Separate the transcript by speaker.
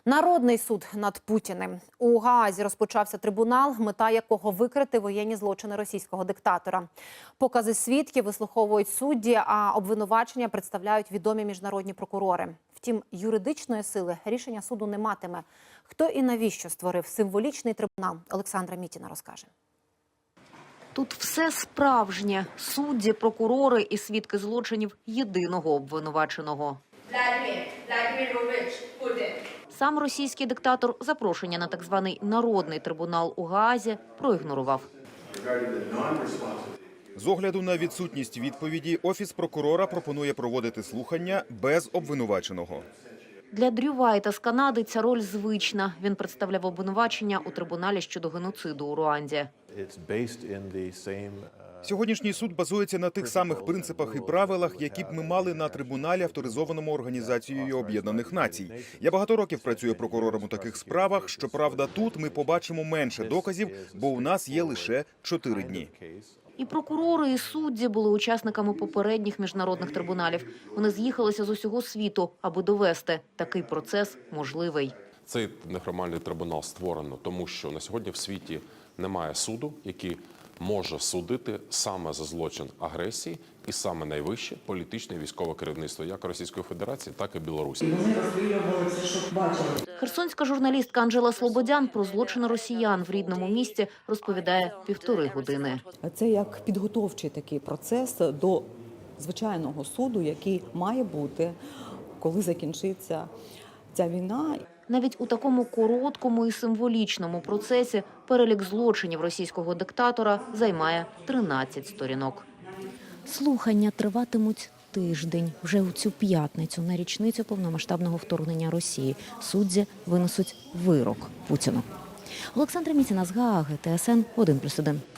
Speaker 1: Народний суд над Путіним. У Гаазі розпочався трибунал, мета якого викрити воєнні злочини російського диктатора. Покази свідків вислуховують судді, а обвинувачення представляють відомі міжнародні прокурори. Втім, юридичної сили рішення суду не матиме. Хто і навіщо створив символічний трибунал, Олександра Мітіна розкаже.
Speaker 2: Тут все справжнє. Судді, прокурори і свідки злочинів єдиного обвинуваченого. Сам російський диктатор запрошення на так званий народний трибунал у Гаазі проігнорував.
Speaker 3: З огляду на відсутність відповіді, Офіс прокурора пропонує проводити слухання без обвинуваченого.
Speaker 2: Для Дрю Вайта з Канади ця роль звична. Він представляв обвинувачення у трибуналі щодо геноциду у Руанді.
Speaker 3: Сьогоднішній суд базується на тих самих принципах і правилах, які б ми мали на трибуналі, авторизованому Організацією Об'єднаних Націй. Я багато років працюю прокурором у таких справах. Щоправда, тут ми побачимо менше доказів, бо у нас є лише 4 дні.
Speaker 2: І прокурори, і судді були учасниками попередніх міжнародних трибуналів. Вони з'їхалися з усього світу, аби довести – такий процес можливий.
Speaker 4: Цей неформальний трибунал створено, тому що на сьогодні в світі немає суду, який може судити саме за злочин агресії і саме найвище політичне і військове керівництво як Російської Федерації, так і Білорусі.
Speaker 5: Вони розстрілювали це, що бачили.
Speaker 2: Херсонська журналістка Анжела Слободян про злочини росіян в рідному місті розповідає 1,5 години.
Speaker 6: Це як підготовчий такий процес до звичайного суду, який має бути, коли закінчиться ця війна.
Speaker 2: Навіть у такому короткому і символічному процесі перелік злочинів російського диктатора займає 13 сторінок.
Speaker 7: Слухання триватимуть тиждень. Вже у цю п'ятницю на річницю повномасштабного вторгнення Росії судді винесуть вирок Путіну. Олександра Мітіна з Гааги, ТСН 1+1.